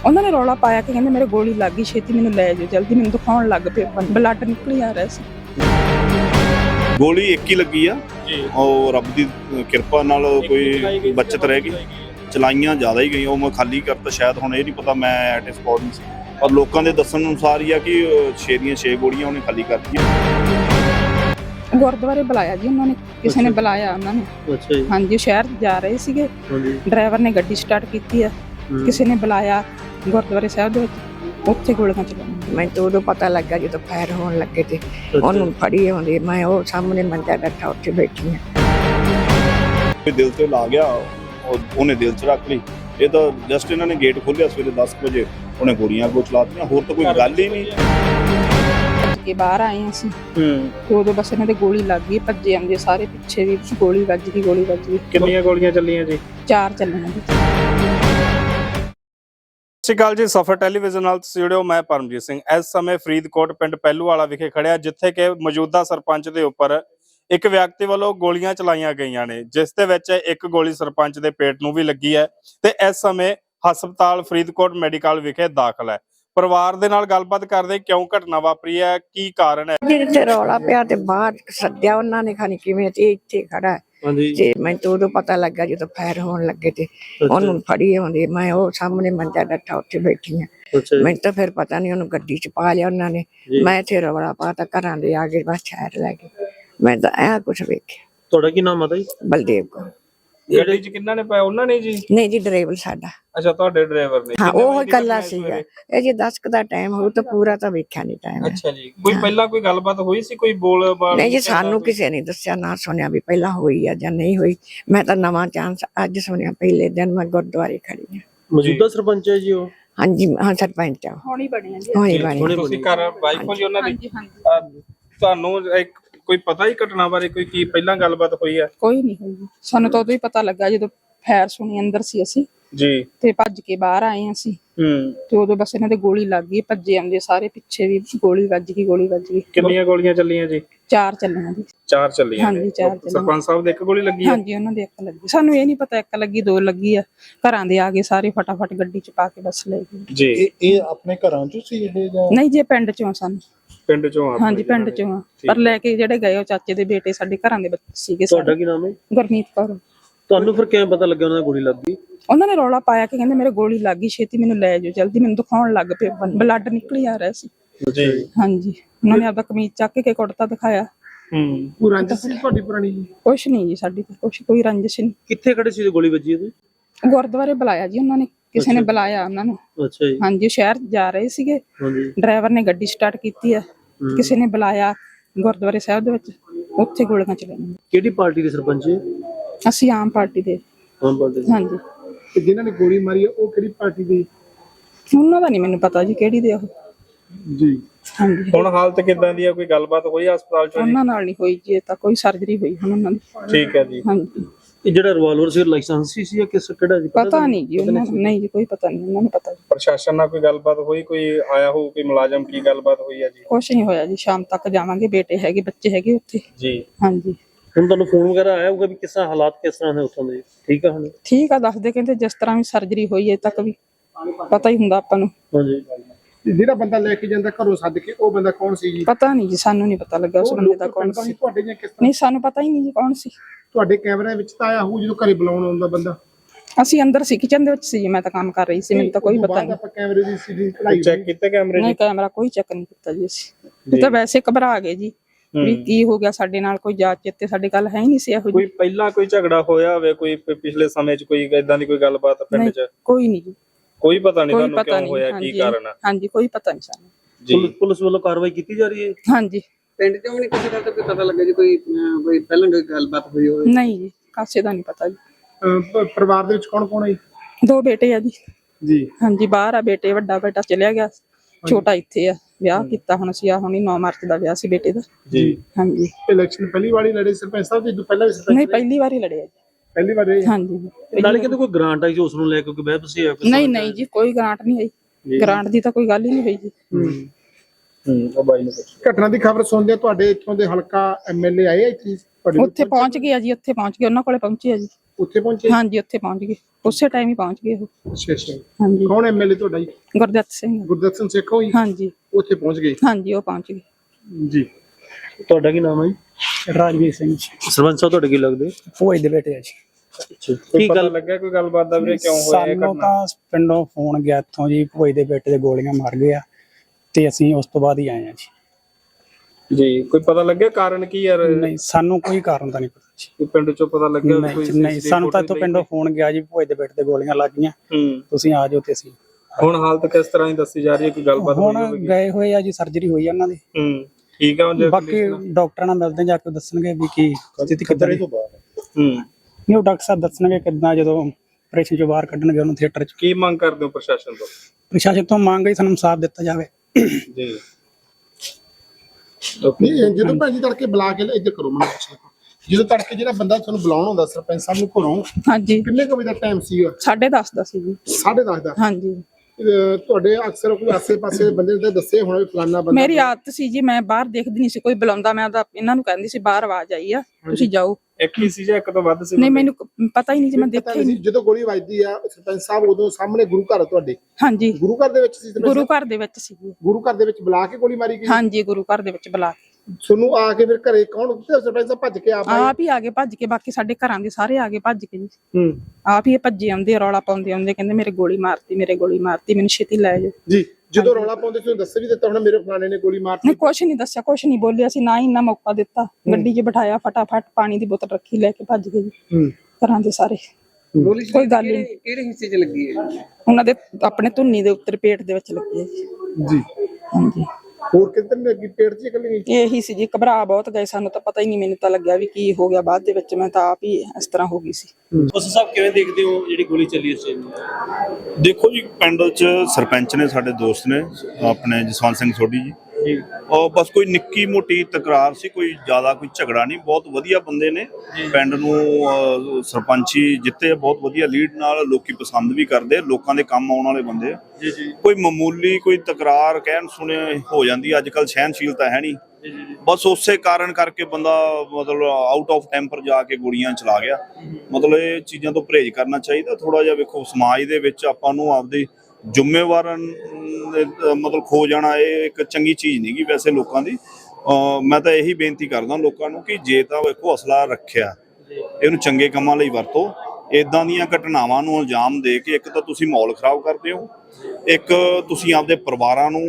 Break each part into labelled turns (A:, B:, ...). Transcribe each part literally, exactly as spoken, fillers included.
A: ਉਹਨਾਂ ਨੇ ਰੌਲਾ ਪਾਇਆ ਕਿ ਕਹਿੰਦੇ ਮੇਰੇ ਗੋਲੀ ਲੱਗ ਗਈ, ਛੇਤੀ ਮੈਨੂੰ ਲੈ ਜਾਓ ਜਲਦੀ, ਮੈਨੂੰ ਦਿਖਾਉਣ ਲੱਗ ਪਏ, ਬਲੱਡ ਨਿਕਲ ਆ ਰਿਹਾ ਸੀ।
B: ਗੋਲੀ ਇੱਕ ਹੀ ਲੱਗੀ ਆ ਜੀ, ਉਹ ਰੱਬ ਦੀ ਕਿਰਪਾ ਨਾਲ ਕੋਈ ਬਚਤ ਰਹਿ ਗਈ। ਚਲਾਈਆਂ ਜ਼ਿਆਦਾ ਹੀ ਗਈਆਂ, ਉਹ ਮੈਂ ਖਾਲੀ ਕਰਤਾ ਸ਼ਾਇਦ, ਹੁਣ ਇਹ ਨਹੀਂ ਪਤਾ, ਮੈਂ ਐਟ ਏ ਸਪੌਟ ਨਹੀਂ ਸੀ, ਪਰ ਲੋਕਾਂ ਦੇ ਦੱਸਣ ਅਨੁਸਾਰ ਹੀ ਆ ਕਿ ਛੇ ਦੀਆਂ ਛੇ ਗੋਲੀਆਂ ਉਹਨੇ ਖਾਲੀ ਕਰਤੀਆਂ।
A: ਗੁਰਦੁਆਰੇ ਬੁਲਾਇਆ ਜੀ ਉਹਨਾਂ ਨੇ, ਕਿਸੇ ਨੇ ਬੁਲਾਇਆ ਉਹਨਾਂ ਨੂੰ। ਅੱਛਾ ਜੀ। ਹਾਂਜੀ, ਸ਼ਹਿਰ ਜਾ ਰਹੇ ਸੀਗੇ, ਡਰਾਈਵਰ ਨੇ ਗੱਡੀ ਸਟਾਰਟ ਕੀਤੀ ਆ, ਕਿਸੇ ਨੇ ਬੁਲਾਇਆ ਗੁਰਦੁਆਰੇ ਸਾਹਿਬ ਦੇ ਵਿੱਚ, ਉੱਥੇ ਗੋਲੀਆਂ ਚਲਾਈਆਂ।
C: ਮੈਨੂੰ ਤਾਂ ਉਦੋਂ ਪਤਾ ਲੱਗਾ ਜਦੋਂ ਫਾਇਰ ਹੋਣ ਲੱਗੇ ਤੇ ਉਹਨੂੰ ਫੜੀ ਆਉਂਦੀ, ਮੈਂ ਉਹ ਸਾਹਮਣੇ ਮੰਜਾ ਡੱਠਾ ਉੱਥੇ ਬੈਠੀ ਹਾਂ।
B: ਦਿਲ ਤੇ ਲਾ ਗਿਆ, ਉਹਨੇ ਦਿਲ 'ਚ ਰੱਖ ਲਈ। ਇਹ ਤਾਂ ਜਸਟ ਇਹਨਾਂ ਨੇ ਗੇਟ ਖੋਲ੍ਹਿਆ ਸਵੇਰੇ ਦਸ ਵਜੇ, ਉਹਨੇ ਗੋਲੀਆਂ ਅੱਗੋਂ ਚਲਾਤੀਆਂ, ਹੋਰ ਤਾਂ ਕੋਈ ਗੱਲ ਹੀ ਨਹੀਂ।
A: ਕੇ ਬਾਹਰ ਆਏ ਅਸੀਂ ਤੇ ਉਦੋਂ ਬਸ ਇਹਨਾਂ ਦੇ ਗੋਲੀ ਲੱਗ ਗਈ, ਭੱਜੇ ਆਉਂਦੇ ਸਾਰੇ, ਪਿੱਛੇ ਵੀ ਗੋਲੀ ਵੱਜ ਗਈ, ਗੋਲੀ ਵੱਜ ਗਈ।
D: ਕਿੰਨੀਆਂ ਗੋਲੀਆਂ ਚੱਲੀਆਂ ਜੀ?
A: ਚਾਰ ਚੱਲੀਆਂ ਜੀ।
D: ਸਤਿ ਸ਼੍ਰੀ ਅਕਾਲ ਜੀ, ਸਫਰ ਟੈਲੀਵਿਜ਼ਨ ਨਾਲ ਤੁਸੀਂ ਜੁੜਿਓ, ਮੈਂ ਪਰਮਜੀਤ ਸਿੰਘ। ਇਸ ਸਮੇਂ ਫਰੀਦਕੋਟ ਪਿੰਡ ਪਹਿਲੂਵਾਲਾ ਵਿਖੇ ਖੜਿਆ, ਜਿੱਥੇ ਕਿ ਮੌਜੂਦਾ ਸਰਪੰਚ ਦੇ ਉੱਪਰ ਇੱਕ ਵਿਅਕਤੀ ਵੱਲੋਂ ਗੋਲੀਆਂ ਚਲਾਈਆਂ ਗਈਆਂ ਨੇ, ਜਿਸ ਦੇ ਵਿੱਚ ਇੱਕ ਗੋਲੀ ਸਰਪੰਚ ਦੇ ਪੇਟ ਨੂੰ ਵੀ ਲੱਗੀ ਹੈ ਤੇ ਇਸ ਸਮੇਂ ਹਸਪਤਾਲ ਫਰੀਦਕੋਟ ਮੈਡੀਕਲ ਵਿਖੇ ਦਾਖਲ ਹੈ। ਪਰਿਵਾਰ ਦੇ ਨਾਲ ਗੱਲਬਾਤ ਕਰਦੇ ਕਿਉਂ ਘਟਨਾ ਵਾਪਰੀ ਹੈ, ਕੀ ਕਾਰਨ ਹੈ।
C: ਜਿੱਥੇ ਰੌਲਾ ਪਿਆ ਤੇ ਬਾਹਰ ਸੱਦਿਆ ਉਹਨਾਂ ਨੇ, ਖਾਣੀ ਕਿਵੇਂ ਤੇ ਇੱਥੇ ਖੜਾ ਤੇ ਮੈਨੂੰ ਤਾਂ ਉਦੋਂ ਪਤਾ ਲੱਗਾ ਜਦੋਂ ਫਾਇਰ ਹੋਣ ਲੱਗੇ ਤੇ ਉਹਨੂੰ ਫੜੀ ਆਉਂਦੀ, ਮੈਂ ਉਹ ਸਾਹਮਣੇ ਮੰਜਾ ਡੱਠਾ ਉੱਥੇ ਬੈਠੀ ਹਾਂ। ਮੈਨੂੰ ਤਾਂ ਫਿਰ ਪਤਾ ਨਹੀਂ, ਉਹਨੂੰ ਗੱਡੀ 'ਚ ਪਾ ਲਿਆ ਉਹਨਾਂ ਨੇ, ਮੈਂ ਇੱਥੇ ਰੌਲਾ ਪਾ ਤਾਂ ਘਰਾਂ ਦੇ ਆ ਗਏ, ਬਸ ਸ਼ਹਿਰ ਲੈ ਗਏ। ਮੈਂ ਤਾਂ ਇਹ ਕੁਛ ਵੇਖਿਆ।
D: ਤੁਹਾਡਾ ਕੀ ਨਾਮ ਹੈ ਜੀ?
C: ਬਲਦੇਵ ਕੌਰ।
D: ਗੱਡੀ 'ਚ ਕਿੰਨਾ ਨੇ ਪਾਇਆ? ਉਹਨਾਂ ਨੇ ਜੀ?
C: ਨਹੀਂ ਜੀ, ਡਰਾਈਵਰ ਸਾਡਾ।
D: ਅੱਛਾ, ਤੁਹਾਡੇ ਡਰਾਈਵਰ ਨੇ?
C: ਹਾਂ, ਉਹ ਇਕੱਲਾ ਸੀਗਾ। ਇਹ ਜੇ ਦਸ ਦਾ ਟਾਈਮ ਹੋਊ ਤਾਂ ਪੂਰਾ ਤਾਂ ਵੇਖਿਆ ਨਹੀਂ ਟਾਈਮ।
D: ਅੱਛਾ ਜੀ। ਕੋਈ ਪਹਿਲਾਂ ਕੋਈ ਗੱਲਬਾਤ ਹੋਈ ਸੀ, ਕੋਈ ਬੋਲ ਬਾਲ?
C: ਨਹੀਂ ਜੀ, ਸਾਨੂੰ ਕਿਸੇ ਨੇ ਦੱਸਿਆ ਨਾ ਸੁਣਿਆ ਵੀ ਪਹਿਲਾਂ ਹੋਈ ਆ ਜਾਂ ਨਹੀਂ ਹੋਈ। ਮੈਂ ਤਾਂ ਨਵਾਂ ਚਾਂਸ ਅੱਜ ਸੁਣਿਆ, ਪਹਿਲੇ ਦਿਨ ਮੈਂ ਗੁਰਦੁਆਰੇ ਖੜੀ ਹਾਂ।
D: ਮੌਜੂਦਾ ਸਰਪੰਚ ਹੈ ਜੀ ਉਹ?
C: ਹਾਂਜੀ ਹਾਂ, ਸਰਪੰਚ ਆ।
A: ਹੋਣੀ ਬਣੀ ਜੀ।
C: ਹੋਣੀ ਬਣੀ।
D: ਤੁਸੀਂ ਘਰ ਵਾਈਫ ਹੋ ਜੀ ਉਹਨਾਂ ਦੀ? ਤੁਹਾਨੂੰ ਇੱਕ ਕੋਈ ਪਤਾ ਹੀ ਘਟਨਾ ਬਾਰੇ, ਕੋਈ ਕੀ ਪਹਿਲਾਂ ਗੱਲਬਾਤ ਹੋਈ ਹੈ?
A: ਕੋਈ ਨਹੀਂ ਹੋਈ, ਸਾਨੂੰ ਤਾਂ ਉਦੋਂ ਹੀ ਪਤਾ ਲੱਗਾ ਜਦੋਂ ਫਾਇਰ ਸੁਣੀ, ਅੰਦਰ ਸੀ ਅਸੀਂ
D: ਜੀ
A: ਤੇ ਭੱਜ ਕੇ ਬਾਹਰ ਆਏ ਅਸੀਂ
D: ਹੂੰ
A: ਤੇ ਉਦੋਂ ਬਸ ਇਹਨਾਂ ਦੇ ਗੋਲੀ ਲੱਗ ਗਈ, ਭੱਜੇ ਆਉਂਦੇ ਸਾਰੇ, ਪਿੱਛੇ ਵੀ ਗੋਲੀ ਵੱਜ ਗਈ, ਗੋਲੀ ਵੱਜ ਗਈ।
D: ਕਿੰਨੀਆਂ ਗੋਲੀਆਂ ਚੱਲੀਆਂ ਜੀ?
A: ਚਾਰ ਚੱਲੀਆਂ ਜੀ।
D: ਚਾਰ ਚੱਲੀਆਂ?
A: ਹਾਂਜੀ, ਚਾਰ ਚੱਲੀਆਂ।
D: ਸਰਪੰਚ ਸਾਹਿਬ ਦੇ ਇੱਕ ਗੋਲੀ ਲੱਗੀ?
A: ਹਾਂਜੀ, ਉਹਨਾਂ ਦੇ ਇੱਕ ਲੱਗੀ, ਸਾਨੂੰ ਇਹ ਨਹੀਂ ਪਤਾ ਇੱਕ ਲੱਗੀ ਦੋ ਲੱਗੀ ਆ। ਘਰਾਂ ਦੇ ਆ ਗਏ ਸਾਰੇ, ਫਟਾਫਟ ਗੱਡੀ 'ਚ ਪਾ ਕੇ ਬਸ ਲੈ ਗਏ
D: ਜੀ।
E: ਇਹ ਆਪਣੇ ਘਰਾਂ 'ਚ ਸੀ ਇਹ ਜਾਂ?
A: ਨਹੀਂ ਜੀ, ਪਿੰਡ 'ਚੋਂ ਸਾਨੂੰ।
D: ਪਿੰਡ 'ਚੋਂ?
A: ਹਾਂਜੀ, ਪਿੰਡ 'ਚੋਂ ਆ, ਪਰ ਲੈ ਕੇ ਜਿਹੜੇ ਗਏ ਉਹ ਚਾਚੇ ਦੇ ਬੇਟੇ, ਸਾਡੇ ਘਰਾਂ ਦੇ ਬੱਚੇ ਸੀਗੇ।
D: ਤੁਹਾਡਾ ਕੀ ਨਾਮ ਹੈ?
A: ਗੁਰਮੀਤ ਕੌਰ।
D: ਤੁਹਾਨੂੰ ਫਿਰ ਕਿਵੇਂ ਪਤਾ ਲੱਗਿਆ ਉਹਨਾਂ ਦੀ ਗੋਲੀ ਲੱਗ ਗਈ?
A: ਉਹਨਾਂ ਨੇ ਰੌਲਾ ਪਾਇਆ ਕਿ ਕਹਿੰਦੇ ਮੇਰੇ ਗੋਲੀ ਲੱਗ ਗਈ, ਛੇਤੀ ਮੈਨੂੰ ਲੈ ਜਾਓ ਜਲਦੀ, ਮੈਨੂੰ ਦਿਖਾਉਣ ਲੱਗ ਪਏ, ਬਲੱਡ ਨਿਕਲ ਆ ਰਿਹਾ ਸੀ।
D: ਜੀ।
A: ਹਾਂਜੀ, ਉਹਨਾਂ ਨੇ ਆਪਦਾ ਕਮੀਜ਼ ਚੱਕ ਕੇ ਕੁੜਤਾ ਦਿਖਾਇਆ।
D: ਹੂੰ।
E: ਕੋਈ ਰੰਜਿਸ਼ ਸੀ ਤੁਹਾਡੀ ਪੁਰਾਣੀ ਜੀ?
A: ਕੁਛ ਨਹੀਂ ਜੀ, ਸਾਡੀ ਕੁਛ ਕੋਈ ਰੰਜਿਸ਼ ਨਹੀਂ।
D: ਕਿੱਥੇ ਖੜੇ ਸੀ ਗੋਲੀ ਵੱਜੀ ਉਹਦੇ?
A: ਗੁਰਦੁਆਰੇ ਬੁਲਾਇਆ ਜੀ ਉਹਨਾਂ ਨੇ, ਕਿਸੇ ਨੇ ਬੁਲਾਇਆ ਉਹਨਾਂ ਨੂੰ।
D: ਅੱਛਾ ਜੀ।
A: ਹਾਂਜੀ, ਸ਼ਹਿਰ ਜਾ ਰਹੇ ਸੀਗੇ, ਡਰਾਈਵਰ ਨੇ ਗੱਡੀ ਸਟਾਰਟ ਕੀਤੀ ਆ, ਕਿਸੇ ਨੇ ਬੁਲਾਇਆ ਗੁਰਦੁਆਰੇ ਸਾਹਿਬ ਦੇ ਵਿੱਚ, ਉੱਥੇ ਗੋਲੀਆਂ ਚਲਾਈਆਂ।
D: ਕਿਹੜੀ ਪਾਰਟੀ ਦੇ ਸਰਪੰਚ ਹੈ?
A: ਅਸੀਂ ਆਮ ਪਾਰਟੀ ਦੇ।
D: ਆਮ ਪਾਰਟੀ?
A: ਹਾਂਜੀ।
E: ਤੇ ਜਿਨ੍ਹਾਂ ਨੇ ਗੋਲੀ ਮਾਰੀ ਹੈ ਉਹ ਕਿਹੜੀ ਪਾਰਟੀ ਦੇ?
A: ਉਹਨਾਂ ਦਾ ਨਹੀਂ ਮੈਨੂੰ ਪਤਾ ਜੀ ਕਿਹੜੀ ਦੇ ਉਹ।
E: ਜੀ।
A: ਹਾਂਜੀ।
D: ਹੁਣ ਹਾਲਤ ਕਿਦਾਂ ਦੀ ਆ? ਕੋਈ ਗੱਲਬਾਤ ਹੋਈ ਹਸਪਤਾਲ 'ਚ?
A: ਉਹਨਾਂ ਨਾਲ ਨਹੀਂ ਹੋਈ ਜੀ, ਇਹ ਤਾਂ ਕੋਈ ਸਰਜਰੀ ਹੋਈ ਹੁਣ ਉਹਨਾਂ ਦੀ।
D: ਠੀਕ ਹੈ ਜੀ।
A: ਹਾਂਜੀ।
D: ਇਹ ਜਿਹੜਾ ਰਿਵਾਲਵਰ ਸੀ ਲਾਇਸੈਂਸੀ ਸੀ ਜਾਂ ਕਿਸ ਕਿਹੜਾ ਜੀ?
A: ਪਤਾ ਨਹੀਂ ਜੀ ਉਹਨਾਂ ਨੂੰ, ਨਹੀਂ ਜੀ ਕੋਈ ਪਤਾ ਨਹੀਂ, ਉਹਨਾਂ ਨੂੰ ਪਤਾ ਜੀ।
D: ਪ੍ਰਸ਼ਾਸਨ ਨਾਲ ਕੋਈ ਗੱਲਬਾਤ ਹੋਈ? ਕੋਈ ਆਇਆ ਹੋ, ਕੋਈ ਮੁਲਾਜ਼ਮ? ਕੀ ਗੱਲਬਾਤ ਹੋਈ ਹੈ ਜੀ?
A: ਕੁਛ ਨਹੀਂ ਹੋਇਆ ਜੀ, ਸ਼ਾਮ ਤੱਕ ਜਾਵਾਂਗੇ, ਬੇਟੇ ਹੈਗੇ, ਬੱਚੇ ਹੈਗੇ ਉੱਥੇ।
D: ਜੀ।
A: ਹਾਂਜੀ।
D: ਹੁਣ ਤੁਹਾਨੂੰ ਫੋਨ ਵਗੈਰਾ ਆਇਆ ਹੋਊਗਾ ਵੀ ਕਿਸ ਤਰ੍ਹਾਂ ਹਾਲਾਤ ਕਿਸ ਤਰ੍ਹਾਂ ਦੇ ਉੱਥੋਂ ਦੇ? ਠੀਕ ਆ ਹੁਣ?
A: ਠੀਕ ਆ, ਦੱਸਦੇ ਕਹਿੰਦੇ ਜਿਸ ਤਰ੍ਹਾਂ ਵੀ ਸਰਜਰੀ ਹੋਈ ਹੈ, ਤੱਕ ਵੀ ਪਤਾ ਹੀ ਹੁੰਦਾ ਆਪਾਂ ਨੂੰ।
D: ਹਾਂਜੀ।
E: ਜਿਹੜਾ ਬੰਦਾ ਲੈ ਕੇ ਜਾਂਦਾ ਘਰੋਂ ਸੱਦ ਕੇ, ਉਹ ਬੰਦਾ ਕੌਣ ਸੀ ਜੀ?
A: ਪਤਾ ਨਹੀਂ ਜੀ, ਸਾਨੂੰ ਨਹੀਂ ਪਤਾ ਲੱਗਾ ਉਸ ਬੰਦੇ ਦਾ ਕੌਣ ਸੀ।
E: ਤੁਹਾਡੇ ਜਾਂ ਕਿਸ ਤਰ੍ਹਾਂ?
A: ਨਹੀਂ, ਸਾਨੂੰ ਪਤਾ ਹੀ ਨਹੀਂ ਜੀ ਕੌਣ ਸੀ।
E: ਤੁਹਾਡੇ ਕੈਮਰੇ ਵਿੱਚ ਤਾਂ ਆਇਆ ਹੋਊ ਜਦੋਂ ਘਰੇ ਬੁਲਾਉਣ ਆਉਂਦਾ ਬੰਦਾ?
A: ਅਸੀਂ ਅੰਦਰ ਸੀ, ਕਿਚਨ ਦੇ ਵਿੱਚ ਸੀ, ਮੈਂ ਤਾਂ ਕੰਮ ਕਰ ਰਹੀ ਸੀ, ਮੈਨੂੰ ਤਾਂ ਕੋਈ ਪਤਾ ਨਹੀਂ।
E: ਆਪਾਂ ਕੈਮਰੇ ਦੀ ਸੀਡੀ ਕਢਾਈ
D: ਚੈੱਕ ਕੀਤਾ ਕੈਮਰੇ?
A: ਨਹੀਂ, ਕੈਮਰਾ ਕੋਈ ਚੈੱਕ ਨਹੀਂ ਕੀਤਾ ਜੀ ਅਸੀਂ। ਇਹ ਤਾਂ ਵੈਸੇ ਘਬਰਾ ਗਏ ਜੀ ਵੀ ਕੀ ਹੋ ਗਿਆ ਸਾਡੇ ਨਾਲ, ਕੋਈ ਜਾਂਚ ਚਿੱਤੇ ਸਾਡੇ ਗੱਲ ਹੈ ਹੀ ਨਹੀਂ ਸੀ ਇਹੋ
D: ਕੋਈ ਪਹਿਲਾਂ ਕੋਈ ਝਗੜਾ ਹੋਇਆ ਹੋਵੇ, ਕੋਈ ਪਿਛਲੇ ਸਮੇਂ 'ਚ ਕੋਈ ਇਦਾਂ ਦੀ ਕੋਈ ਗੱਲਬਾਤ ਪਿੰਡ 'ਚ?
A: ਕੋਈ ਨਹੀਂ ਜੀ,
D: ਕੋਈ ਪਤਾ ਨਹੀਂ
A: ਕੋਈ
D: ਤੁਹਾਨੂੰ
A: ਪਤਾ
D: ਕਿਉਂ ਹੋਇਆ, ਕੀ ਕਾਰਨ ਆ?
A: ਹਾਂਜੀ, ਕੋਈ ਪਤਾ ਨਹੀਂ ਸਾਨੂੰ
D: ਜੀ। ਪੁਲਿਸ ਵੱਲੋਂ ਕਾਰਵਾਈ ਕੀਤੀ ਜਾ ਰਹੀ ਹੈ?
A: ਹਾਂਜੀ।
F: ਪਿੰਡ 'ਚੋਂ ਵੀ ਨਹੀਂ ਕਿਸੇ ਦਾ ਤਾਂ ਪਤਾ ਲੱਗਾ ਜੀ ਕੋਈ ਕੋਈ ਪਹਿਲਾਂ ਕੋਈ ਗੱਲਬਾਤ ਹੋਈ ਹੋਵੇ?
A: ਨਹੀਂ ਜੀ, ਕਾਸੇ ਦਾ ਨਹੀਂ ਪਤਾ ਜੀ।
E: ਪਰਿਵਾਰ ਦੇ ਵਿੱਚ ਕੌਣ ਕੌਣ ਹੈ?
A: ਦੋ ਬੇਟੇ ਆ ਜੀ।
E: ਜੀ।
A: ਹਾਂਜੀ, ਬਾਹਰ ਆ ਬੇਟੇ, ਵੱਡਾ ਬੇਟਾ ਚਲਿਆ ਗਿਆ, ਛੋਟਾ ਇੱਥੇ ਆ। ਵਿਆਹ ਕੀਤਾ ਹੁਣ ਅਸੀਂ, ਆ ਹੁਣੀ ਨੌ ਮਾਰਚ ਦਾ ਵਿਆਹ ਸੀ ਬੇਟੇ ਦਾ।
D: ਜੀ।
A: ਹਾਂਜੀ।
E: ਇਲੈਕਸ਼ਨ ਪਹਿਲੀ ਵਾਰੀ ਲੜੇ ਸਰਪੰਚ ਸਾਹਿਬ ਜੀ? ਪਹਿਲਾਂ ਵੀ ਸਰਪੰਚ?
A: ਨਹੀਂ, ਪਹਿਲੀ ਵਾਰੀ ਲੜਿਆ ਜੀ।
E: ਪਹਿਲੀ ਵਾਰ?
A: ਹਾਂਜੀ।
D: ਨਾਲੇ ਕਹਿੰਦੇ ਕੋਈ ਗ੍ਰਾਂਟ ਆਈ ਸੀ ਉਸ ਨੂੰ ਲੈ ਕੇ, ਕੋਈ ਬਹਿਸ ਸੀ?
A: ਨਹੀਂ ਨਹੀਂ ਜੀ, ਕੋਈ ਗ੍ਰਾਂਟ ਨਹੀਂ ਆਈ, ਗ੍ਰਾਂਟ ਦੀ ਤਾਂ ਕੋਈ ਗੱਲ ਹੀ ਨਹੀਂ ਹੋਈ ਜੀ।
D: ਹੂੰ ਹੂੰ। ਉਹ ਬਾਈ ਨੂੰ
E: ਘਟਨਾ ਦੀ ਖਬਰ ਸੁਣਦੇ ਤੁਹਾਡੇ ਇੱਥੋਂ ਦੇ ਹਲਕਾ ਐਮਐਲਏ ਆਏ ਇੱਥੇ?
A: ਉੱਥੇ ਪਹੁੰਚ ਗਏ ਆ ਜੀ, ਉੱਥੇ ਪਹੁੰਚ ਗਏ, ਉਹਨਾਂ ਕੋਲੇ ਪਹੁੰਚੇ ਆ ਜੀ।
E: ਉੱਥੇ ਪਹੁੰਚੇ?
A: ਹਾਂਜੀ ਉੱਥੇ ਪਹੁੰਚ ਗਏ, ਉਸੇ ਟਾਈਮ ਹੀ ਪਹੁੰਚ ਗਏ ਉਹ।
E: ਅੱਛਾ ਅੱਛਾ।
A: ਹਾਂਜੀ
E: ਕੌਣ ਐਮਐਲਏ ਤੁਹਾਡਾ ਜੀ?
A: ਗੁਰਦਿੱਤ ਸਿੰਘ।
E: ਗੁਰਦਿੱਤ ਸਿੰਘ ਸੇਖੋਂ ਜੀ?
A: ਹਾਂਜੀ
E: ਉੱਥੇ ਪਹੁੰਚ ਗਏ
A: ਹਾਂਜੀ ਉਹ ਪਹੁੰਚ ਗਏ।
E: ਜੀ। ਤੁਹਾਡਾ ਕੀ ਨਾਮ ਹੈ ਜੀ?
G: ਰਾਜਵੀਰ ਸਿੰਘ ਜੀ,
E: ਸਰਪੰਚ ਸਾਹਿਬ ਤੁਹਾਡੇ ਕੀ ਲੱਗਦੇ?
G: ਭੋਜ ਦੇ ਬੇਟੇ ਆ ਜੀ।
D: ਕੀ ਗੱਲ ਲੱਗਿਆ ਕੋਈ ਗੱਲਬਾਤ ਦਾ ਵੀਰੇ, ਕਿਉਂ ਹੋਇਆ ਇਹ
G: ਸਾਨੂੰ
D: ਘਟਨਾ?
G: ਤਾਂ ਪਿੰਡੋਂ ਫੋਨ ਗਿਆ ਇੱਥੋਂ ਜੀ, ਭੋਜ ਦੇ ਬੇਟੇ ਦੇ ਗੋਲੀਆਂ ਮਾਰ ਗਏ ਆ, ਤੇ ਅਸੀਂ ਉਸ ਤੋਂ ਬਾਅਦ ਹੀ ਆਏ ਆ ਜੀ।
D: ਜੀ ਕੋਈ ਪਤਾ ਲੱਗਿਆ ਕਾਰਨ ਕੀ ਯਾਰ?
G: ਨਹੀਂ ਸਾਨੂੰ ਕੋਈ ਕਾਰਨ ਤਾਂ ਨਹੀਂ ਪਤਾ ਜੀ।
D: ਕੋਈ ਪਿੰਡ ਚੋਂ ਪਤਾ ਲੱਗਿਆ
G: ਨਹੀਂ
D: ਕੋਈ?
G: ਜੀ, ਨਹੀਂ ਸਾਨੂੰ ਤਾਂ ਇੱਥੋਂ ਪਿੰਡੋਂ ਫੋਨ ਗਿਆ ਜੀ, ਭੋਜ ਦੇ ਬੇਟੇ ਦੇ ਗੋਲੀਆਂ ਲੱਗ ਗਈਆਂ,
D: ਹੂੰ।
G: ਤੁਸੀਂ ਆ ਜਾਓ। ਤੇ ਅਸੀਂ
D: ਹੁਣ ਹਾਲਤ ਕਿਸ ਤਰ੍ਹਾਂ ਦੀ ਦੱਸੀ ਜਾ ਰਹੀ ਹੈ, ਕੋਈ ਗੱਲਬਾਤ ਹੋਈ
G: ਹੁਣ
D: ਹੋਵੇਗੀ?
G: ਗਏ ਹੋਏ ਆ ਜੀ, ਸਰਜਰੀ ਹੋਈ ਆ ਉਹਨਾਂ ਦੀ।
D: ਹੂੰ ਠੀਕ ਆ ਹੁਣ ਜੇ
G: ਬਾਕੀ ਡਾਕਟਰਾਂ ਨਾਲ ਮਿਲਦੇ ਜਾ ਕੇ ਦੱਸਣਗੇ ਵੀ ਕੀ ਸਥਿਤੀ ਕਿੱਦਾਂ ਦੀ।
D: ਹੂੰ
G: ਨਹੀਂ ਉਹ ਡਾਕਟਰ ਸਾਹਿਬ ਦੱਸਣਗੇ ਕਿੱਦਾਂ, ਜਦੋਂ ਆਪਰੇਸ਼ਨ ਚੋਂ ਬਾਹਰ ਕੱਢਣਗੇ ਉਹਨੂੰ ਥੀਏਟਰ ਚ।
D: ਕੀ ਮੰਗ ਕਰਦੇ ਹੋ ਪ੍ਰਸ਼ਾਸਨ ਤੋਂ?
G: ਪ੍ਰਸ਼ਾਸਨ ਤੋਂ ਮੰਗ ਹੈ ਸਾਨੂੰ ਇਨਸਾਫ ਦਿੱਤਾ ਜਾਵੇ
D: ਜੀ।
E: ਨਹੀਂ ਜਦੋਂ ਭਾਜੀ ਤੜਕੇ ਬੁਲਾ ਕੇ ਇੱਧਰ ਕਰੋ ਮੈਨੂੰ ਪੁੱਛੋ, ਜਦੋਂ ਤੜਕੇ ਜਿਹੜਾ ਬੰਦਾ ਤੁਹਾਨੂੰ ਬੁਲਾਉਣ ਹੁੰਦਾ ਸਰਪੰਚ ਸਾਹਿਬ ਨੂੰ ਘਰੋਂ,
A: ਹਾਂਜੀ
E: ਕਿੰਨੇ ਕੁ ਵਜੇ ਦਾ ਟਾਈਮ ਸੀਗਾ?
A: ਸਾਢੇ ਦਸ ਦਾ ਸੀ ਜੀ।
E: ਸਾਢੇ ਦਸ ਦਾ?
A: ਹਾਂਜੀ
E: ਅਹ ਤੁਹਾਡੇ ਅਕਸਰ ਕੋਈ ਆਸੇ-ਪਾਸੇ ਦੇ ਬੰਦੇ ਨੇ ਦੱਸੇ ਹੋਣਾ ਵੀ ਫਲਾਨਾ ਬੰਦਾ।
A: ਮੇਰੀ ਆਦਤ ਸੀ ਜੀ, ਮੈਂ ਬਾਹਰ ਦੇਖਦੀ ਨਹੀਂ ਸੀ, ਕੋਈ ਬੁਲਾਉਂਦਾ ਮੈਂ ਤਾਂ ਇਹਨਾਂ ਨੂੰ ਕਹਿੰਦੀ ਸੀ ਬਾਹਰ ਆਵਾਜ਼ ਆਈ ਆ ਤੁਸੀਂ ਜਾਓ।
D: ਇੱਕ ਹੀ ਸੀ ਜਾਂ ਇੱਕ ਤੋਂ ਵੱਧ ਸੀ?
A: ਨਹੀਂ ਮੈਨੂੰ ਕ- ਪਤਾ ਹੀ ਨਹੀਂ ਜੀ, ਮੈਂ
E: ਪਤਾ
A: ਦੇਖਿਆ ਹੀ
E: ਨਹੀਂ ਸੀ
A: ਨਹੀਂ।
E: ਜਦੋਂ ਗੋਲੀ ਵੱਜਦੀ ਆ ਸਰਪੰਚ ਸਾਹਿਬ ਉਦੋਂ ਸਾਹਮਣੇ ਗੁਰੂ ਘਰ ਆ ਤੁਹਾਡੇ?
A: ਹਾਂਜੀ
E: ਗੁਰੂ ਘਰ ਦੇ ਵਿੱਚ ਸੀ ਸਰਪੰਚ
A: ਗੁਰੂ
E: ਸਾਹਿਬ?
A: ਘਰ ਦੇ ਵਿੱਚ ਸੀ ਜੀ।
E: ਗੁਰੂ ਘਰ ਦੇ ਵਿੱਚ ਬੁਲਾ ਕੇ ਗੋਲੀ ਮਾਰੀ ਗਈ?
A: ਹਾਂਜੀ ਗੁਰੂ ਘਰ ਦੇ ਵਿੱਚ ਬੁਲਾ ਕੇ
E: ਤੁਹਾਨੂੰ ਆ ਕੇ ਫਿਰ ਘਰੇ ਕੌਣ ਤੇ ਸਰਪੰਚ ਸਾਹਿਬ ਭੱਜ ਕੇ ਆਪ ਆਏ?
A: ਆਪ ਹੀ ਆ ਗਏ ਭੱਜ ਕੇ, ਬਾਕੀ ਸਾਡੇ ਘਰਾਂ ਦੇ ਸਾਰੇ ਆ ਗਏ ਭੱਜ ਕੇ ਜੀ।
E: ਹੂੰ
A: ਆਪ ਹੀ ਇਹ ਭੱਜੇ ਆਉਂਦੇ, ਰੌਲਾ ਪਾਉਂਦੇ ਆਉਂਦੇ, ਕਹਿੰਦੇ ਮੇਰੇ ਗੋਲੀ ਮਾਰਤੀ, ਮੇਰੇ ਗੋਲੀ ਮਾਰਤੀ, ਮੈਨੂੰ ਛੇਤੀ ਲੈ ਜਾਓ।
E: ਜੀ। ਜਦੋਂ ਰੌਲਾ ਪਾਉਂਦੇ ਸੀ ਦੱਸ ਵੀ ਦਿੱਤਾ ਹੋਣਾ ਮੇਰੇ ਫਲਾਣੇ ਨੇ ਗੋਲੀ ਮਾਰਤੀ?
A: ਨਹੀਂ ਕੁਛ ਨਹੀਂ ਦੱਸਿਆ, ਕੁਛ ਨਹੀਂ ਬੋਲਿਆ ਸੀ, ਨਾ ਹੀ ਇੰਨਾ ਮੌਕਾ ਦਿੱਤਾ। ਗੱਡੀ 'ਚ ਬਿਠਾਇਆ, ਫਟਾਫਟ ਪਾਣੀ ਦੀ ਬੋਤਲ ਰੱਖੀ, ਲੈ ਕੇ ਭੱਜ ਗਏ ਜੀ
E: ਹੂੰ
A: ਘਰਾਂ ਦੇ ਸਾਰੇ।
F: ਗੋਲੀ
A: ਕੋਈ ਗੱਲ ਹੀ ਨਹੀਂ।
F: ਕਿਹੜੇ ਕਿਹੜੇ ਹਿੱਸੇ 'ਚ ਲੱਗੀ ਹੈ?
A: ਉਹਨਾਂ ਦੇ ਆਪਣੇ ਧੁੰਨੀ ਦੇ ਉੱਤੇ ਪੇਟ ਦੇ ਵਿੱਚ ਲੱਗੀ ਹੈ ਜੀ।
E: ਜੀ।
A: ਹਾਂਜੀ
E: ਹੋਰ ਕਿੱਧਰ ਨੇ ਲੱਗੀ? ਪੇਟ 'ਚ ਇਕੱਲੀ ਗਈ?
A: ਇਹੀ ਸੀ ਜੀ, ਘਬਰਾ ਬਹੁਤ ਗਏ, ਸਾਨੂੰ ਤਾਂ ਪਤਾ ਹੀ ਨਹੀਂ, ਮੈਨੂੰ ਤਾਂ ਲੱਗਿਆ ਵੀ ਕੀ ਹੋ ਗਿਆ ਬਾਅਦ ਦੇ ਵਿੱਚ, ਮੈਂ ਤਾਂ ਆਪ ਹੀ ਇਸ ਤਰ੍ਹਾਂ ਹੋ ਗਈ ਸੀ।
H: ਉਸ ਸਾਹਿਬ ਕਿਵੇਂ ਦੇਖਦੇ ਹੋ ਜਿਹੜੀ ਗੋਲੀ ਚੱਲੀ ਇਸ ਟਾਈਮ?
B: ਦੇਖੋ ਜੀ, ਪਿੰਡ 'ਚ ਸਰਪੰਚ ਨੇ, ਸਾਡੇ ਦੋਸਤ ਨੇ ਆਪਣੇ ਜਸਵੰਤ ਸਿੰਘ ਸੋਢੀ ਜੀ, ਉਹ ਬਸ ਕੋਈ ਨਿੱਕੀ ਮੋਟੀ ਤਕਰਾਰ ਸੀ, ਕੋਈ ਜ਼ਿਆਦਾ ਕੋਈ ਝਗੜਾ ਨਹੀਂ। ਬਹੁਤ ਵਧੀਆ ਬੰਦੇ ਨੇ, ਪਿੰਡ ਨੂੰ ਅਹ, ਸਰਪੰਚੀ ਜਿੱਤੇ ਆ ਬਹੁਤ ਵਧੀਆ ਲੀਡ ਨਾਲ, ਲੋਕੀ ਪਸੰਦ ਵੀ ਕਰਦੇ ਆ, ਲੋਕਾਂ ਦੇ ਕੰਮ ਆਉਣ ਵਾਲੇ ਬੰਦੇ ਆ। ਕੋਈ ਮਾਮੂਲੀ ਕੋਈ ਤਕਰਾਰ ਕਹਿਣ ਸੁਣਿਆ ਹੋ ਜਾਂਦੀ, ਅੱਜ ਕੱਲ੍ਹ ਸਹਿਣਸ਼ੀਲਤਾ ਹੈ ਨਹੀਂ, ਬਸ ਉਸੇ ਕਾਰਨ ਕਰਕੇ ਬੰਦਾ ਮਤਲਬ ਆਊਟ ਆਫ ਟੈਂਪਰ ਜਾ ਕੇ ਗੋਲੀਆਂ ਚਲਾ ਗਿਆ। ਮਤਲਬ ਇਹ ਚੀਜ਼ਾਂ ਤੋਂ ਪਰਹੇਜ਼ ਕਰਨਾ ਚਾਹੀਦਾ ਥੋੜਾ ਜਿਹਾ। ਵੇਖੋ ਸਮਾਜ ਦੇ ਵਿੱਚ ਆਪਾਂ ਨੂੰ ਆਪਦੀ ਜ਼ਿੰਮੇਵਾਰਾਂ ਮਤਲਬ ਖੋ ਜਾਣਾ ਇਹ ਇੱਕ ਚੰਗੀ ਚੀਜ਼ ਨਹੀਂ ਗੀ ਵੈਸੇ ਲੋਕਾਂ ਦੀ। ਮੈਂ ਤਾਂ ਇਹੀ ਬੇਨਤੀ ਕਰਦਾ ਲੋਕਾਂ ਨੂੰ ਕਿ ਜੇ ਤਾਂ ਵੇਖੋ ਅਸਲਾ ਰੱਖਿਆ, ਇਹਨੂੰ ਚੰਗੇ ਕੰਮਾਂ ਲਈ ਵਰਤੋ। ਇਦਾਂ ਦੀਆਂ ਘਟਨਾਵਾਂ ਨੂੰ ਇਲਜ਼ਾਮ ਦੇ ਕੇ ਇੱਕ ਤਾਂ ਤੁਸੀਂ ਮਾਹੌਲ ਖਰਾਬ ਕਰਦੇ ਹੋ, ਇੱਕ ਤੁਸੀਂ ਆਪਦੇ ਪਰਿਵਾਰਾਂ ਨੂੰ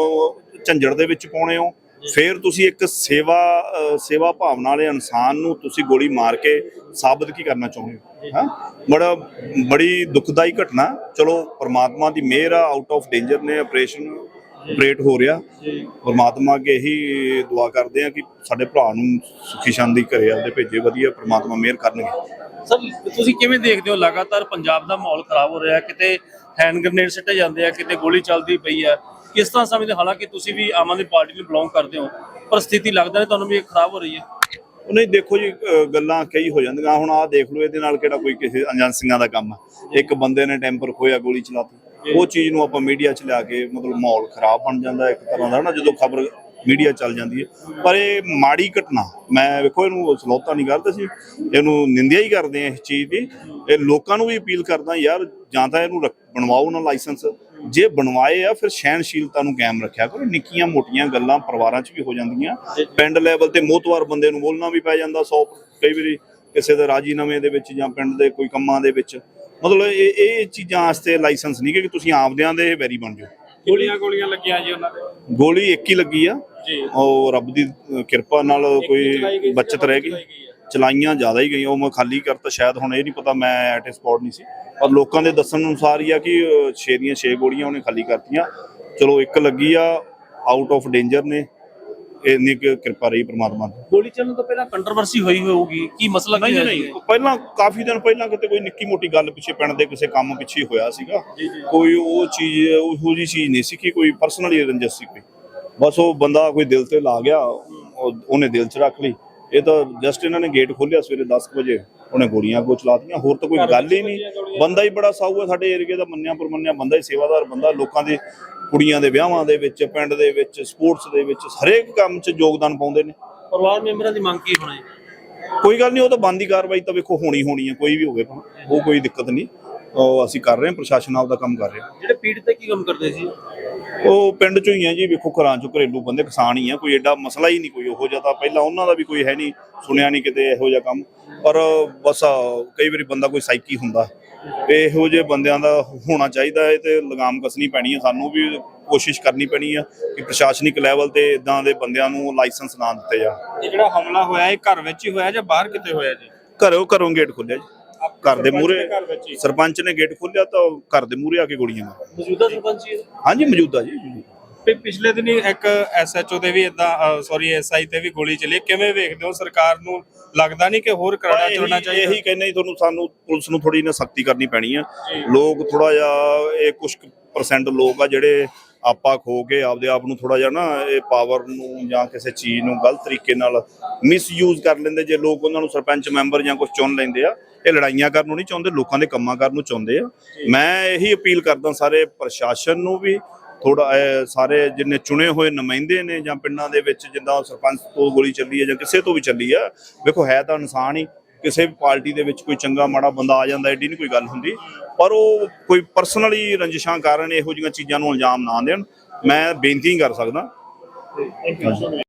B: ਝੰਜੜ ਦੇ ਵਿੱਚ ਪਾਉਣੇ ਹੋ, ਫਿਰ ਤੁਸੀਂ ਇੱਕ ਸੇਵਾ ਸੇਵਾ ਭਾਵਨਾ ਵਾਲੇ ਇਨਸਾਨ ਨੂੰ ਤੁਸੀਂ ਗੋਲੀ ਮਾਰ ਕੇ ਸਾਬਤ ਕੀ ਕਰਨਾ ਚਾਹੁੰਦੇ ਹੋ? ਹਾਂ, ਬੜਾ ਬੜੀ ਦੁਖਦਾਈ ਘਟਨਾ। ਚਲੋ ਪਰਮਾਤਮਾ ਦੀ ਮਿਹਰ ਆ, ਆਊਟ ਆਫ ਡੇਂਜਰ ਨੇ, ਆਪਰੇਸ਼ਨ ਆਪਰੇਟ ਹੋ ਰਿਹਾ। ਪਰਮਾਤਮਾ ਅੱਗੇ ਇਹੀ ਦੁਆ ਕਰਦੇ ਆ ਕਿ ਸਾਡੇ ਭਰਾ ਨੂੰ ਸੁਖੀ ਸ਼ਾਂਤੀ ਘਰੇ ਆਪਦੇ ਭੇਜੇ, ਵਧੀਆ ਪਰਮਾਤਮਾ ਮਿਹਰ ਕਰਨਗੇ।
H: ਸਰ ਤੁਸੀਂ ਕਿਵੇਂ ਦੇਖਦੇ ਹੋ, ਲਗਾਤਾਰ ਪੰਜਾਬ ਦਾ ਮਾਹੌਲ ਖਰਾਬ ਹੋ ਰਿਹਾ, ਕਿਤੇ ਹੈਂਡ ਗ੍ਰੇਨੇਡ ਸਿੱਟੇ ਜਾਂਦੇ ਆ, ਕਿਤੇ ਗੋਲੀ ਚੱਲਦੀ ਪਈ ਆ, ਕਿਸ ਤਰ੍ਹਾਂ ਸਮਝਦੇ? ਹਾਲਾਂਕਿ ਤੁਸੀਂ ਵੀ ਆਮ ਆਦਮੀ ਪਾਰਟੀ ਨੂੰ ਬਿਲੋਂਗ ਕਰਦੇ ਹੋ, ਪਰ ਸਥਿਤੀ ਲੱਗਦਾ ਨਹੀਂ ਤੁਹਾਨੂੰ ਵੀ ਇਹ ਖਰਾਬ ਹੋ ਰਹੀ ਹੈ?
B: ਨਹੀਂ ਦੇਖੋ ਜੀ, ਗੱਲਾਂ ਕਈ ਹੋ ਜਾਂਦੀਆਂ। ਹੁਣ ਆਹ ਦੇਖ ਲਓ, ਇਹਦੇ ਨਾਲ ਕਿਹੜਾ ਕੋਈ ਕਿਸੇ ਏਜੰਸੀਆਂ ਦਾ ਕੰਮ ਆ? ਇੱਕ ਬੰਦੇ ਨੇ ਟੈਂਪਰ ਖੋਇਆ, ਗੋਲੀ ਚਲਾਤੀ। ਉਹ ਚੀਜ਼ ਨੂੰ ਆਪਾਂ ਮੀਡੀਆ 'ਚ ਲਿਆ ਕੇ ਮਤਲਬ ਮਾਹੌਲ ਖਰਾਬ ਬਣ ਜਾਂਦਾ ਇੱਕ ਤਰ੍ਹਾਂ ਦਾ ਨਾ, ਜਦੋਂ ਖਬਰ ਮੀਡੀਆ ਚੱਲ ਜਾਂਦੀ ਹੈ। ਪਰ ਇਹ ਮਾੜੀ ਘਟਨਾ, ਮੈਂ ਵੇਖੋ ਇਹਨੂੰ ਸਲੋਤਾ ਨਹੀਂ ਕਰਦੇ ਸੀ, ਇਹਨੂੰ ਨਿੰਦਿਆ ਹੀ ਕਰਦੇ ਆ ਇਸ ਚੀਜ਼ ਦੀ। ਇਹ ਲੋਕਾਂ ਨੂੰ ਵੀ ਅਪੀਲ ਕਰਦਾ ਯਾਰ, ਜਾਂ ਤਾਂ ਇਹਨੂੰ ਬਣਵਾਓ ਨਾ ਲਾਇਸੈਂਸ, ਜੇ ਬਣਵਾਏ ਆ ਫਿਰ ਸਹਿਣਸ਼ੀਲਤਾ ਨੂੰ ਕਾਇਮ ਰੱਖਿਆ ਕਰੋ। ਨਿੱਕੀਆਂ ਮੋਟੀਆਂ ਗੱਲਾਂ ਪਰਿਵਾਰਾਂ 'ਚ ਵੀ ਹੋ ਜਾਂਦੀਆਂ, ਪਿੰਡ ਲੈਵਲ ਤੇ ਮੋਹਤਵਾਰ ਬੰਦੇ ਨੂੰ ਬੋਲਣਾ ਵੀ ਪੈ ਜਾਂਦਾ ਸੌ ਕਈ ਵਾਰੀ, ਕਿਸੇ ਦੇ ਰਾਜੀਨਾਮੇ ਦੇ ਵਿੱਚ ਜਾਂ ਪਿੰਡ ਦੇ ਕੋਈ ਕੰਮਾਂ ਦੇ ਵਿੱਚ। ਮਤਲਬ ਇਹ ਇਹ ਚੀਜ਼ਾਂ ਵਾਸਤੇ ਲਾਇਸੈਂਸ ਨਹੀਂ ਕਿ ਤੁਸੀਂ ਆਪਦਿਆਂ ਦੇ ਵੈਰੀ ਬਣ ਜਾਓ।
D: ਗੋਲੀਆਂ ਗੋਲੀਆਂ ਲੱਗੀਆਂ ਜੀ ਉਹਨਾਂ ਦੇ?
B: ਗੋਲੀ ਇੱਕ ਹੀ ਲੱਗੀ ਆ, ਉਹ ਰੱਬ ਦੀ ਕਿਰਪਾ ਨਾਲ ਕੋਈ ਬਚਤ ਰਹਿ ਗਈ। ਚਲਾਈਆਂ ਜ਼ਿਆਦਾ ਹੀ ਗਈਆਂ, ਉਹ ਮੈਂ ਖਾਲੀ ਕਰਤਾ ਸ਼ਾਇਦ, ਹੁਣ ਇਹ ਨਹੀਂ ਪਤਾ, ਮੈਂ ਐਟ ਏ ਸਪੌਟ ਨਹੀਂ ਸੀ, ਪਰ ਲੋਕਾਂ ਦੇ ਦੱਸਣ ਅਨੁਸਾਰ ਹੀ ਆ ਕਿ ਛੇ ਦੀਆਂ ਛੇ ਗੋਲੀਆਂ ਉਹਨੇ ਖਾਲੀ ਕਰਤੀਆਂ। ਚਲੋ ਇੱਕ ਲੱਗੀ ਆ, ਆਊਟ ਆਫ ਡੇਂਜਰ ਨੇ, ਇੰਨੀ ਕਿਰਪਾ ਰਹੀ ਪ੍ਰਮਾਤਮਾ ਦੀ।
H: ਗੋਲੀ ਚੱਲਣ ਤੋਂ ਪਹਿਲਾਂ ਕੰਟਰੋਵਰਸੀ ਹੋਈ ਹੋਊਗੀ, ਕੀ ਮਸਲਾ ਕੀ ਹੈ?
B: ਨਹੀਂ, ਪਹਿਲਾਂ ਕਾਫੀ ਦਿਨ ਪਹਿਲਾਂ ਕਿਤੇ ਕੋਈ ਨਿੱਕੀ ਮੋਟੀ ਗੱਲ ਪਿੱਛੇ ਪਿੰਡ ਦੇ ਕਿਸੇ ਕੰਮ ਪਿੱਛੇ ਹੋਇਆ ਸੀਗਾ, ਕੋਈ ਉਹ ਚੀਜ਼ ਉਹੋ ਜਿਹੀ ਚੀਜ਼ ਨਹੀਂ ਸੀ ਕਿ ਕੋਈ ਪਰਸਨਲੀ ਰੰਜਿਸ਼ ਸੀ ਕੋਈ। ਬਸ ਉਹ ਬੰਦਾ ਕੋਈ ਦਿਲ ਤੇ ਲਾ ਗਿਆ, ਉਹਨੇ ਦਿਲ 'ਚ ਰੱਖ ਲਈ। ਇਹ ਤਾਂ ਜਸਟ ਇਹਨਾਂ ਨੇ ਗੇਟ ਖੋਲਿਆ ਸਵੇਰੇ ਦਸ ਕੁ ਵਜੇ, ਉਹਨੇ ਗੋਲੀਆਂ ਅੱਗੋਂ ਚਲਾਤੀਆਂ, ਹੋਰ ਤਾਂ ਕੋਈ ਗੱਲ ਹੀ ਨਹੀਂ। ਬੰਦਾ ਹੀ ਬੜਾ ਸਾਊ ਹੈ ਸਾਡੇ ਏਰੀਏ ਦਾ, ਮੰਨਿਆ ਪਰਮੰਨਿਆ ਬੰਦਾ ਹੀ, ਸੇਵਾਦਾਰ ਬੰਦਾ, ਲੋਕਾਂ ਦੇ ਕੁੜੀਆਂ ਦੇ ਵਿਆਹਾਂ ਦੇ ਵਿੱਚ, ਪਿੰਡ ਦੇ ਵਿੱਚ, ਸਪੋਰਟਸ ਦੇ ਵਿੱਚ, ਹਰੇਕ ਕੰਮ 'ਚ ਯੋਗਦਾਨ ਪਾਉਂਦੇ ਨੇ।
H: ਪਰਿਵਾਰ ਮੈਂਬਰਾਂ ਦੀ ਮੰਗ ਕੀ ਹੋਣੀ?
B: ਕੋਈ ਗੱਲ ਨਹੀਂ, ਉਹ ਤਾਂ ਬੰਦੀ ਕਾਰਵਾਈ ਤਾਂ ਵੇਖੋ ਹੋਣੀ ਹੋਣੀ ਹੈ, ਕੋਈ ਵੀ ਹੋਵੇ, ਉਹ ਕੋਈ ਦਿੱਕਤ ਨਹੀਂ। ਉਹ ਅਸੀਂ ਕਰ ਰਹੇ ਹਾਂ, ਪ੍ਰਸ਼ਾਸਨ ਆਪਦਾ ਕੰਮ ਕਰ ਰਿਹਾ।
H: ਜਿਹੜੇ ਪੀੜਤ ਤੇ ਕੀ ਕੰਮ ਕਰਦੇ ਸੀ?
B: ਉਹ ਪਿੰਡ ਚੋਂ ਹੀ ਆ ਜੀ, ਵੇਖੋ ਘਰਾਂ ਚੋਂ ਘਰੇਲੂ ਬੰਦੇ, ਕਿਸਾਨ ਹੀ ਆ, ਕੋਈ ਐਡਾ ਮਸਲਾ ਹੀ ਨਹੀਂ ਕੋਈ ਉਹੋ ਜਿਹਾ। ਤਾਂ ਪਹਿਲਾਂ ਉਹਨਾਂ ਦਾ ਵੀ ਕੋਈ ਹੈ ਨਹੀਂ, ਸੁਣਿਆ ਨਹੀਂ ਕਿਤੇ ਇਹੋ ਜਿਹਾ ਕੰਮ। ਪਰ ਬਸ ਕਈ ਵਾਰੀ ਬੰਦਾ ਕੋਈ ਸਾਈਕੀ ਹੁੰਦਾ, ਇਹੋ ਜਿਹੇ ਬੰਦਿਆਂ ਦਾ ਹੋਣਾ ਚਾਹੀਦਾ ਹੈ ਤੇ ਲਗਾਮ ਕੱਸਣੀ ਪੈਣੀ ਹੈ। ਸਾਨੂੰ ਵੀ ਕੋਸ਼ਿਸ਼ ਕਰਨੀ ਪੈਣੀ ਆ ਕਿ ਪ੍ਰਸ਼ਾਸਨਿਕ ਲੈਵਲ ਤੇ ਇਦਾਂ ਦੇ ਬੰਦਿਆਂ ਨੂੰ ਲਾਇਸੈਂਸ ਨਾ ਦਿੱਤੇ ਜਾਣ।
D: ਇਹ ਜਿਹੜਾ ਹਮਲਾ ਹੋਇਆ ਇਹ ਘਰ ਵਿੱਚ ਹੀ ਹੋਇਆ ਜਾਂ ਬਾਹਰ ਕਿਤੇ ਹੋਇਆ ਜੀ?
B: ਘਰੋਂ ਘਰੋਂ ਗੇਟ ਖੋਲਿਆ ਜੀ, ਘਰ ਦੇ ਮੂਹਰੇ ਸਰਪੰਚ ਨੇ ਗੇਟ ਖੋਲਿਆ ਤਾਂ ਘਰ ਦੇ ਮੂਹਰੇ ਆ ਕੇ ਗੋਲੀਆਂ ਮਾਰੀਆਂ।
H: ਮੌਜੂਦਾ ਸਰਪੰਚ ਜੀ?
B: ਹਾਂਜੀ ਮੌਜੂਦਾ ਜੀ।
D: ਤੇ ਪਿਛਲੇ ਦਿਨੀ ਇੱਕ ਐਸਐਚਓ ਦੇ ਵੀ ਇਦਾਂ ਸੌਰੀ ਐਸਆਈ ਤੇ ਵੀ ਗੋਲੀ ਚੱਲੀ, ਕਿਵੇਂ ਵੇਖਦੇ ਹੋ? ਸਰਕਾਰ ਨੂੰ ਲੱਗਦਾ ਨਹੀਂ ਕਿ ਹੋਰ ਕਰਾੜਾ ਚੱਲਣਾ ਚਾਹੀਦਾ?
B: ਇਹੀ ਕਹਿੰਦੇ ਜੀ ਤੁਹਾਨੂੰ, ਸਾਨੂੰ ਪੁਲਿਸ ਨੂੰ ਥੋੜੀ ਨਾ ਸਖਤੀ ਕਰਨੀ ਪੈਣੀ ਆ। ਲੋਕ ਥੋੜਾ ਜਿਹਾ, ਇਹ ਕੁਝ ਪਰਸੈਂਟ ਲੋਕ ਆ ਜਿਹੜੇ ਆਪਾ ਖੋ ਕੇ ਆਪਦੇ ਆਪ ਨੂੰ ਥੋੜਾ ਜਿਹਾ ਨਾ ਇਹ ਪਾਵਰ ਨੂੰ ਜਾਂ ਕਿਸੇ ਚੀਜ਼ ਨੂੰ ਗਲਤ ਤਰੀਕੇ ਨਾਲ ਮਿਸਯੂਜ਼ ਕਰ ਲੈਂਦੇ। ਜੇ ਲੋਕ ਉਹਨਾਂ ਨੂੰ ਸਰਪੰਚ ਮੈਂਬਰ ਜਾਂ ਕੁਝ ਚੁਣ ਲੈਂਦੇ ਆ, ਇਹ ਲੜਾਈਆਂ ਕਰਨ ਨੂੰ ਨਹੀਂ ਚਾਹੁੰਦੇ, ਲੋਕਾਂ ਦੇ ਕੰਮਾਂ ਕਰਨ ਨੂੰ ਚਾਹੁੰਦੇ ਆ। ਮੈਂ ਇਹੀ ਅਪੀਲ ਕਰਦਾ ਸਾਰੇ ਪ੍ਰਸ਼ਾਸਨ ਨੂੰ ਵੀ, ਥੋੜਾ ਸਾਰੇ ਜਿੰਨੇ ਚੁਣੇ ਹੋਏ ਨੁਮਾਇੰਦੇ ਨੇ ਜਾਂ ਪਿੰਡਾਂ ਦੇ ਵਿੱਚ, ਜਿੱਦਾਂ ਸਰਪੰਚ ਤੋਂ ਗੋਲੀ ਚੱਲੀ ਹੈ ਜਾਂ ਕਿਸੇ ਤੋਂ ਵੀ ਚੱਲੀ ਆ, ਵੇਖੋ ਹੈ ਤਾਂ ਇਨਸਾਨ ਹੀ। ਕਿਸੇ ਵੀ ਪਾਰਟੀ ਦੇ ਵਿੱਚ ਕੋਈ ਚੰਗਾ ਮਾੜਾ ਬੰਦਾ ਆ ਜਾਂਦਾ, ਐਡੀ ਨਹੀਂ ਕੋਈ ਗੱਲ ਹੁੰਦੀ, ਪਰ ਉਹ ਕੋਈ ਪਰਸਨਲੀ ਰੰਜਿਸ਼ਾਂ ਕਾਰਨ ਇਹੋ ਜਿਹੀਆਂ ਚੀਜ਼ਾਂ ਨੂੰ ਇਲਜ਼ਾਮ ਨਾ ਦੇਣ। ਮੈਂ ਬੇਨਤੀ ਕਰ ਸਕਦਾ।